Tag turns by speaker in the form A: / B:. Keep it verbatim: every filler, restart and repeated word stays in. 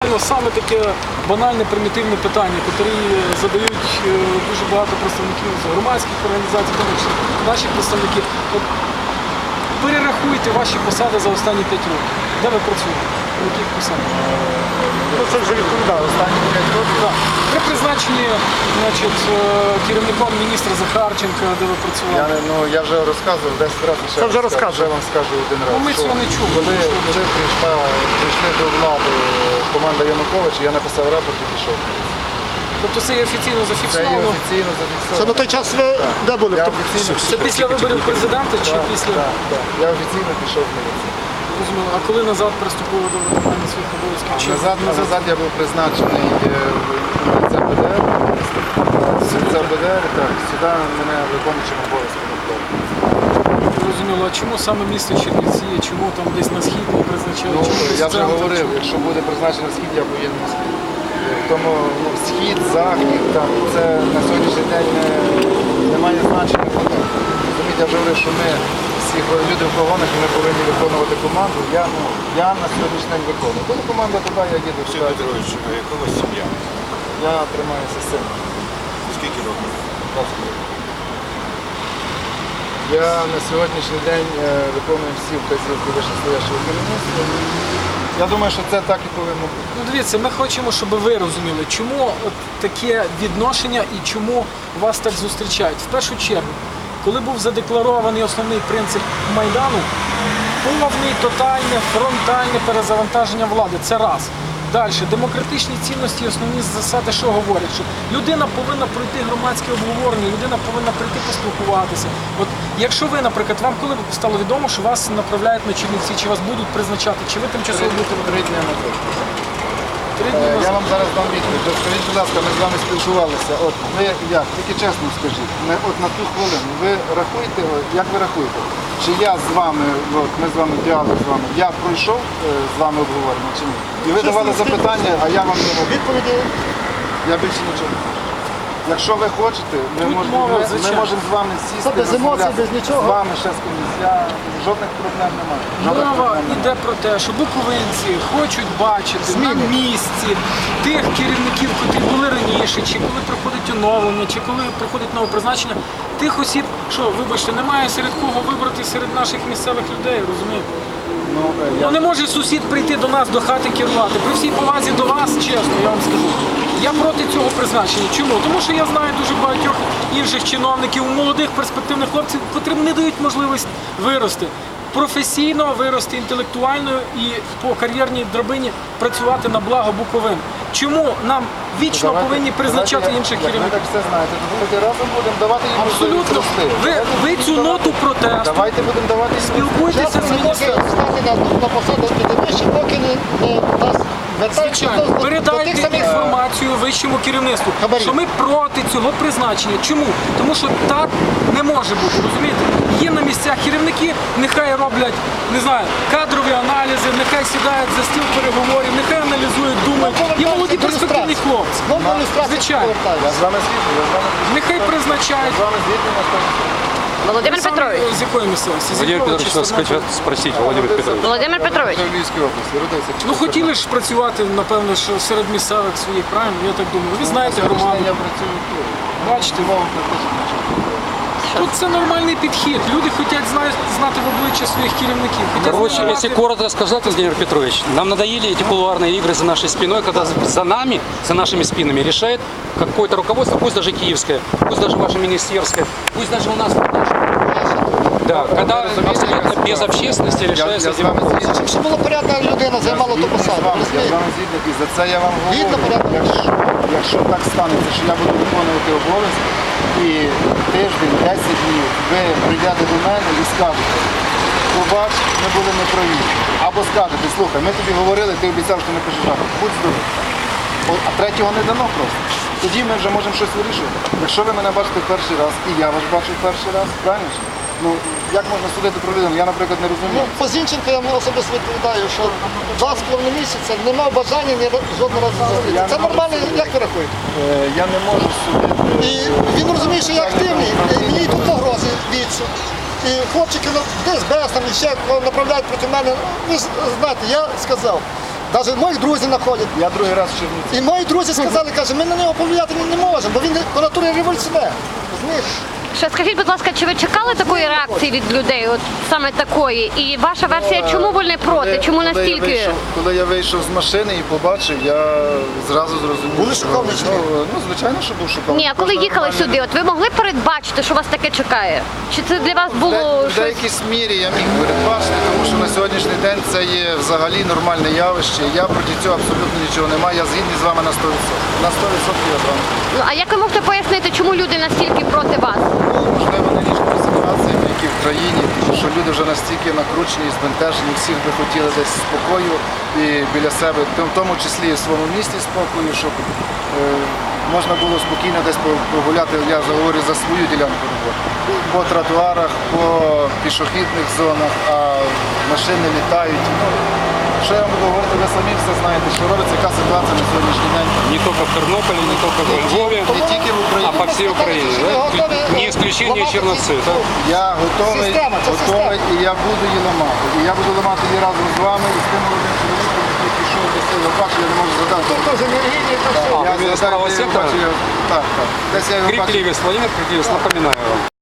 A: Правильно, саме таке банальне, примітивне питання, яке задають дуже багато представників з громадських організацій, тому що наші представники. От, перерахуйте ваші посади за останні п'ять років. Де ви працюєте? На яких посадах?
B: Ну, це вже відповідав останні п'ять років.
A: Так. При призначенні значить, керівником міністра Захарченка, де ви працювали?
B: Я, ну, я вже розказував десять разів, ще,
A: Це вже
B: розказую. Ще вам скажу один раз.
A: Ну, ми цього не чули.
B: Коли, коли прийшла, прийшли до влади команда Януковича, я написав рапорт і пішов.
A: Тобто це є офіційно
B: Це є
A: зафіксовано?
B: офіційно зафіксовано.
C: Це на той час ви де були?
B: Я
C: Хто-
B: офіційно
A: Це після виборів президента чи
B: Так,
A: після?
B: так, так. Я офіційно пішов в міліцію.
A: Розуміло. А коли назад приступили до виконання своїх обов'язків? Чи
B: Назад, назад я був призначений е, в ЦБДР, ЦБДР, так, сюди мене виконуючим обов'язком відправили.
A: Зрозуміло. А чому саме місто Чернівці? Чому там десь на схід не призначали?
B: Ну,
A: Чому десь
B: я
A: в
B: вже
A: центр?
B: говорив, якщо буде призначений схід, я поїду на схід. Тому ну, схід, захід, там, це на сьогоднішній день не, не має значення. Розумієте, я вже говорив, що ми всі люди в погонах, ми повинні виконувати команду. Я, ну, я на сьогоднішній день виконую. Коли команда туди, я їду.
D: Олексій Петрович, а яка у вас сім'я?
B: Я тримаюся сином.
D: Скільки років?
B: двадцять років. Я на сьогоднішній день е, виконую всі вказівки вищестоящого керівництва. Я думаю, що це так і повинно бути.
A: Ну, дивіться, ми хочемо, щоб ви розуміли, чому от таке відношення і чому вас так зустрічають. В першу чергу, коли був задекларований основний принцип Майдану, повне, тотальне, фронтальне перезавантаження влади. Це раз. Далі, демократичні цінності, основні засади, що говорять, що людина повинна пройти громадське обговорення, людина повинна прийти поспілкуватися. От якщо ви, наприклад, вам коли стало відомо, що вас направляють на Чернівці, чи вас будуть призначати, чи ви тимчасово будете
B: Три дні назад.
A: три дні
B: Е,
A: назад?
B: Я вам зараз дам відповідь. От скажіть, будь ласка, ми з вами спілкувалися. От ви як? Тільки чесно скажіть, не, от на ту хвилину, ви рахуєте, от, як ви рахуєте? Чи я з вами, от, ми з вами діалог з вами, я пройшов е, з вами обговорення чи ні? І ви давали запитання, а я вам не робив.
C: Відповіді
B: Я більше нічого. Якщо ви хочете, ми
A: Тут
B: можемо,
A: мова,
B: ми, ми
A: звичайно.
B: можемо з вами сісти,
C: Це без емоцій,
B: розмовляти.
C: без нічого.
B: З вами ще з комусь. Я жодних проблем немає. Жодних
A: Мова
B: проблем немає.
A: йде про те, що буковинці хочуть бачити на місці тих керівників, які були раніше, чи коли проходить оновлення, чи коли проходить нове призначення, тих осіб, що, вибачте, немає серед кого вибрати серед наших місцевих людей, розумієте?
B: Ну, е, я...
A: Ну не може сусід прийти до нас до хати керувати. При всій повазі до вас, чесно, я вам скажу. Я проти цього призначення. Чому? Тому що я знаю дуже багатьох інших чиновників, молодих перспективних хлопців, котрим не дають можливість вирости. Професійно вирости, інтелектуально і по кар'єрній драбині працювати на благо Буковини. Чому нам вічно
B: Давайте-
A: повинні призначати
B: давайте,
A: інших
B: як Ви
A: керівників?
B: так все знаєте, то давайте разом будемо давати їм
A: Абсолютно.
B: можливість рости.
A: Ви,
B: Давайте
A: ви
B: будемо
A: цю
B: давати-
A: ноту протесту
B: Давайте будемо давати їм
A: спілкуйтеся
C: чесно
A: з
C: не може
A: міністром.
C: стати на, на посаду підвищення, поки не, не дасть
A: Звичайно,
C: до, до тих
A: передайте
C: самих
A: інформацію вищому керівництву,
C: Хабарів.
A: що ми проти цього призначення. Чому? Тому що так не може бути, розумієте? Є на місцях керівники, нехай роблять, не знаю, кадрові аналізи, нехай сідають за стіл переговорів, нехай аналізують, думають. Є молоді перспективні хлопці.
C: Знову до ілюстрації
A: Звичайно.
B: Я
C: повертаюся.
B: з вами згідний, я з вами
A: Нехай призначають.
B: з вами згідний на сто відсотків.
E: Владимир
A: Саме
E: Петрович.
A: з якої місцевості? З
D: Владимир
A: якого
D: Петрович,
A: числа?
D: вас хотят спросить, Владимир Петрович.
E: Володимир Петрович.
B: Я в Львівській області, родився.
A: Ну хотіли ж працювати, напевно, що серед місцевих своїх, правильно? Я так думаю. Ви знаєте громаду.
B: Я працюю тут.
A: Бачите,
B: Мова практично нічого.
A: тут це нормальний підхід. Люди хочуть знати, знати в обличчя своїх керівників. Хотять
F: Короче,
A: знати-
F: если коротко сказать, Владимир Петрович, нам надоели эти кулуарные игры за нашей спиной, когда за нами, за нашими спинами решает какое-то руководство, пусть даже киевское, пусть даже ваше министерское, пусть даже у нас. Да, когда абсолютно без общественности
B: Я, я
F: решается
B: з вами згідний.
C: Щоб була порядна людина, займала ту
B: Я з
C: посаду.
B: вами- Я з
C: розумієте?
B: вами згідний, і за це я вам
C: Згідно
B: говорю.
C: порядку.
B: Якщо, якщо так станеться, що я буду виконувати обов'язки, і тиждень, десять днів ви прийдете до мене і скажете, побач, ми були неправі. Або скажете, слухай, ми тобі говорили, ти обіцяв, що не кажеш жаху. Будь здоровий. О, А третього не дано просто. Тоді ми вже можемо щось вирішувати. Якщо ви мене бачите в перший раз, і я вас бачу в перший раз, правильно ж? Ну, як можна судити про людину? Я, наприклад, не
C: Ну,
B: розумію.
C: по Зінченко я вам особисто відповідаю, що два з половиною місяця не мав бажання ні ра- жодного разу зустрітися. Це нормально, як ви рахуєте?
B: Е, Я не можу судити.
C: І він розуміє, що я активний, і мені тут погрози б'ються. І хлопчики ну, десь без там і ще кого направляють проти мене. Ви ж знаєте, я сказав, Навіть моїх друзів знаходять.
B: Я другий раз в Чернівці.
C: І мої друзі сказали, каже, ми на нього повлияти не можемо, бо він по натурі революціонер. Розумієш?
E: Ще скажіть, будь ласка, чи ви чекали такої реакції від людей, от саме такої? І ваша версія, чому вони проти? Чому
B: Коли я
E: настільки?
B: вийшов- Коли я вийшов з машини і побачив, я зразу зрозумів.
C: Були
B: що-
C: шоковані чи ні?
B: Ну, ну, звичайно, що був шокований.
E: Ні, а коли
B: Кожна
E: їхали
B: нормальна
E: сюди, от ви могли передбачити, що вас таке чекає? Чи це для вас
B: В
E: було
B: де- В
E: щось?
B: деякій мірі я міг передбачити, тому що на сьогоднішній день це є взагалі нормальне явище. Я проти цього абсолютно нічого не маю. Я згідний з вами на сто відсотків. На сто відсотків я з вами.
E: Ну а як ви можете пояснити, чому люди настільки проти вас?
B: Можливо, нинішніми ситуаціями, які в країні, тому що люди вже настільки накручені і збентежені, всіх би хотіли десь спокою і біля себе, в тому числі і в своєму місті спокою, щоб е, можна було спокійно десь прогуляти, я говорю за свою ділянку роботи, по тротуарах, по пішохідних зонах, а машини літають. Ну, що я вам буду говорити, ви самі все знаєте, що робиться, яка ситуація на сьогоднішній день.
F: Не только в Тернополе, не только во Львове,
B: Не тільки в Україні.
F: а по всей Украине. Да? Не исключение Черновцы. Да?
B: Я готовий,
C: Система, це
B: готовий і я буду її ламати. І я буду ламати її разом з вами і з тим молодим чоловіком, який пішов до цього бачу, я не можу згадати.
C: Хто вже не релігії, то все.
F: А,
B: Я
F: ви з
B: згадаю,
F: правого
B: де я його
F: сектора?
B: бачив, я- Так, так. Десь я його бачив.
F: Крикливец, Владимир Крикливец, напоминаю вам.